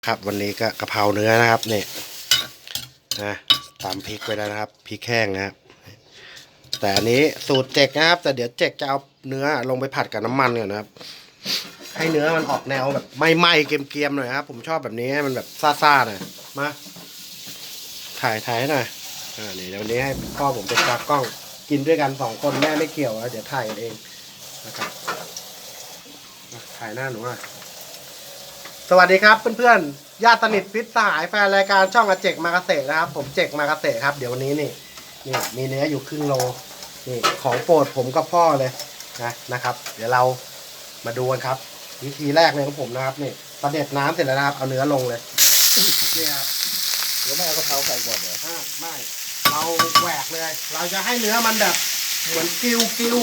ครับวันนี้ก็กะเพราเนื้อนะครับนี่นะตำพริกไว้แล้วนะครับพริกแห้งนะครับแต่อันนี้สูตรเจกนะครับแต่เดี๋ยวเจกจะเอาเนื้อลงไปผัดกับน้ำมันก่อนนะครับให้เนื้อมันออกแนวแบบไหม้ๆเกรียมๆหน่อยครับผมชอบแบบนี้ให้มันแบบซ่าๆหน่อยมาถ่ายให้หน่อยนี่เดี๋ยววันนี้ให้พ่อผมเป็นตากล้องกินด้วยกัน2 คนแม่ไม่เกี่ยวเดี๋ยวถ่ายกันเองนะครับถ่ายหน้าหนูอ่ะสวัสดีครับเพื่อนๆญาติสนิทพิษสหายแฟนรายการช่องอาเจกมาเกษตรนะครับผมเจกมาเกษตรครับเดี๋ยววันนี้นี่มีเนื้ออยู่ครึ่งโลนี่ของโปรดผมกับพ่อเลยนะครับเดี๋ยวเรามาดูกันครับวิธีแรกเลยของผมนะครับนี่ประเด็ดน้ำเสร็จแล้วนะครับเอาเนื้อลงเลยนี่ครับเดี๋ยวไม่เอากะเพราใส่ก่อนเหรอไม่เราแหวกเลยเราจะให้เนื้อมันแบบเหมือนกิว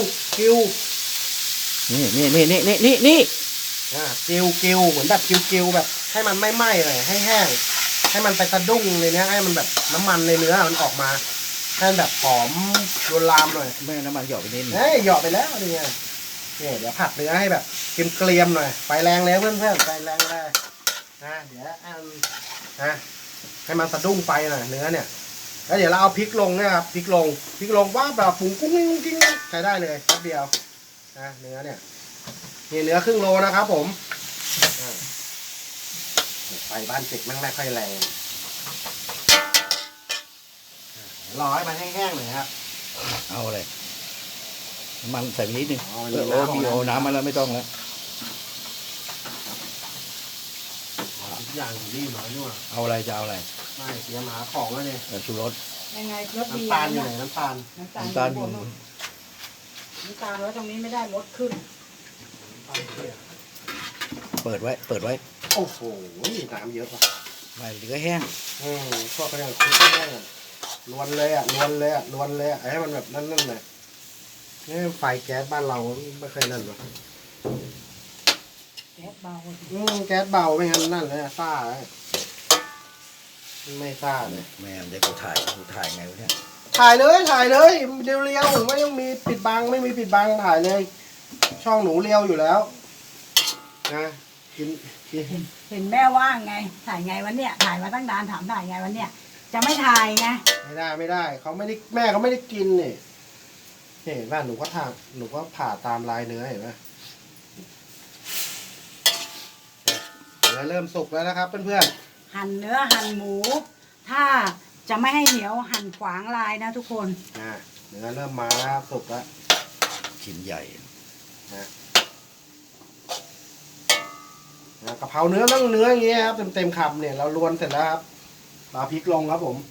นี่กิวเหมือนแบบกิวแบบให้มันไม่ไหม้เลยให้แห้งให้มันไปสะดุ้งในเนี้ยให้มันแบบน้ำมันในเนื้อมันออกมาให้มันแบบหอมรวนลามหน่อยไม่น้ำมันหยอกไปนิดนึงเหยาะไปแล้วนี่ไงนี่เดี๋ยวผัดเนื้อให้แบบเกรียมๆหน่อยไฟแรงเลยเพื่อนๆไฟแรงเลยเดี๋ยวให้มันสะดุ้งไฟหน่อยเนื้อเนี่ยแล้วเดี๋ยวเราเอาพริกลงนะครับพริกลงว่าแบบปรุงกุ้งใช้ได้เลยแป๊บเดียวเนื้อเนี่ยนี่เนื้อครึ่งโลนะครับผมไฟบ้านเจ็กไม่ค่อยแรงรอให้มันแห้งๆหน่อยครับเอาอะไรน้ำมันใส่ไปนิดนึงมีน้ำมาแล้วไม่ต้องแล้วทุกอย่างรีบหน่อยด้วยเอาอะไรจะเอาอะไรไม่เสียหมาของแล้วเนี่ยชูรสยังไงรสดีน้ำตาลอยู่ไหนน้ำตาลแล้วตรงนี้ไม่ได้ลดขึ้นเปิดไว้โอ้โหน้ำเยอะป่ะไม่เหลือแห้งพวกก็ยังคุกแห้งล้วนเลยให้มันแบบนั่นเลยนี่ไฟแก๊สบ้านเราไม่เคยนั่นหรอแก๊สเบาแก๊สเบาไม่งั้นนั่นเลยซ่าไม่ซ่าเลยแม่เดี๋ยวกูถ่ายไงวะเนี่ยถ่ายเลยเรียวผมไม่ต้องมีปิดบังไม่มีปิดบังถ่ายเลยช่องหนูเรียวอยู่แล้วนะกินเห็นแม่ว่างไงถ่ายไงวันเนี้ยถ่ายมาตั้งนานถามถ่ายไงวันเนี้ยจะไม่ถ่ายไงไม่ได้เขาไม่ได้แม่เขาไม่ได้กินนี่เห็นป่ะหนูก็ผ่าตามลายเนื้อเห็นป่ะเนื้อเริ่มสุกแล้วนะครับเพื่อนๆหั่นเนื้อหั่นหมูถ้าจะไม่ให้เหนียวหั่นขวางลายนะทุกคนเนื้อเริ่มมาแล้วสุกแล้วชิ้นใหญ่กะเพราเนื้อต้องเนื้ออย่างเงี้ยครับเต็มคำเนี่ยเราลวนเสร็จแล้วครับเอาพริกลงครับผม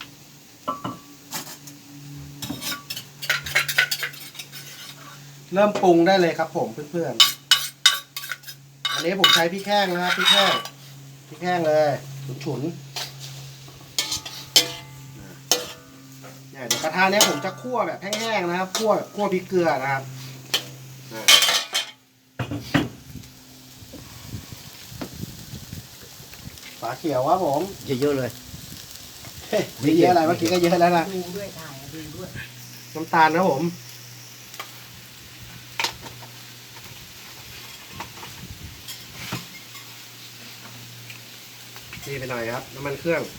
เริ่มปรุงได้เลยครับผมเพื่อนๆอันนี้ผมใช้พริกแห้งนะครับพริกแห้งเลยฉุนเนี่ยเดี๋ยวกระทะเนี้ยผมจะคั่วแบบแห้งๆนะครับคั่วพริกเกลือนะครับฝาเขียวครับผมเยอะเลยไม่เยอะอะไรเมื่อกี้ก็เยอะแล้วนะดูด้วยถ่ายดูด้วยน้ำตาลนะผมนี่ไปหน่อยครับน้ำมันเครื่อง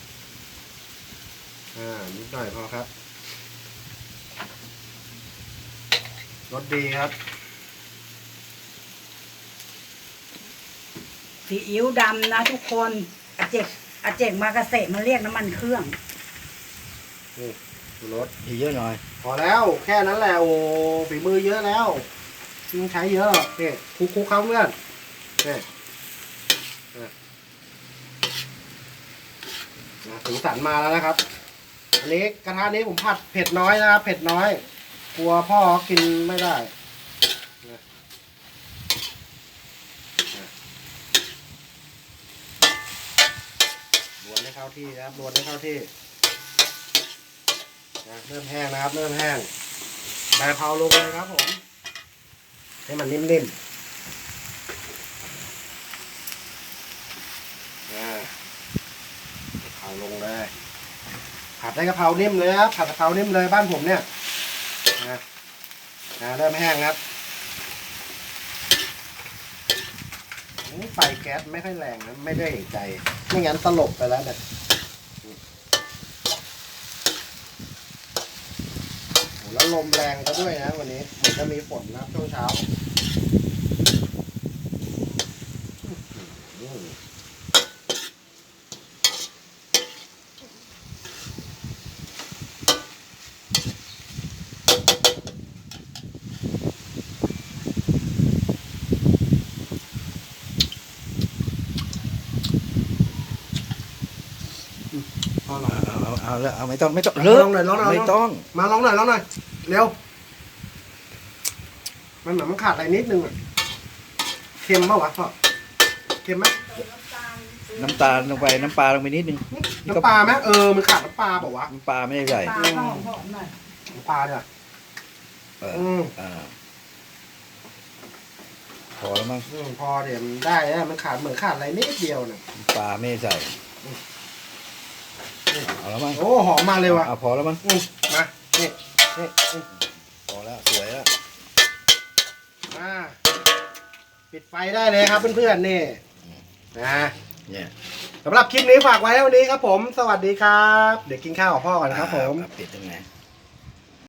นิดหน่อยพอครับรสดีครับซีอิ๊วดำนะทุกคนอาเจกมาเกษตรมาเรียกน้ำมันเครื่องนี่รสเยอะหน่อยพอแล้วแค่นั้นแหละโอ้ฝีมือเยอะแล้วต้องใช้เยอะหรอกนี่คุกเขาเพื่อนนี่สีสันมาแล้วนะครับอันนี้กระทะนี้ผมผัดเผ็ดน้อยนะครับเผ็ดน้อยกลัวพ่อกินไม่ได้รวนให้เข้าที่นะครับรวนให้เข้าที่เริ่มแห้งนะครับเริ่มแห้งใบกะเพราลงเลยครับผมให้มันนิ่มๆเอาลงเลยผัดได้กะเพรานิ่มเลยครับผัดกะเพรานิ่มเลยบ้านผมเนี่ยเริ่มแห้งครับไฟแก๊สไม่ค่อยแรงนะไม่ได้เห็นใจไม่งั้นสลบไปแล้วเนี่ยโอ้แล้วลมแรงก็ด้วยนะวันนี้เหมือนจะมีฝนนะช่วงเช้าพอหน่อยเอาแล้วเอาไม่ต้องไม่ต้องลองหน่อยลองหน่อยไม่ต้องมาลองหน่อยลองหน่อยเร็วมันเหมือนมันขาดอะไรนิดนึงอะเค็มปะวะพ่อเค็มไหมน้ำตาลลงไปน้ำปลาลงไปนิดนึงน้ำปลาไหมมันขาดน้ำปลาเปล่าวะน้ำปลาไม่ได้ใส่ปลาก็หอมๆหน่อยน้ำปลาเนี่ยเอออืมพอแล้วมั้งพอเดี๋ยวมันได้นะมันขาดเหมือนขาดอะไรนิดเดียวเนี่ยน้ำปลาไม่ได้ใส่เอาแล้วมั้งโอ้หอมมาเลยว่ะพอแล้วมั้งมานี่นี่พอแล้วสวยแล้วมาปิดไฟได้เลยครับเพื่อนๆนี่นะเนี่ยสำหรับคลิปนี้ฝากไว้เท่านี้ครับผม สวัสดีครับ เดี๋ยวกินข้าวกับพ่อก่อนนะครับผมปิดยังไง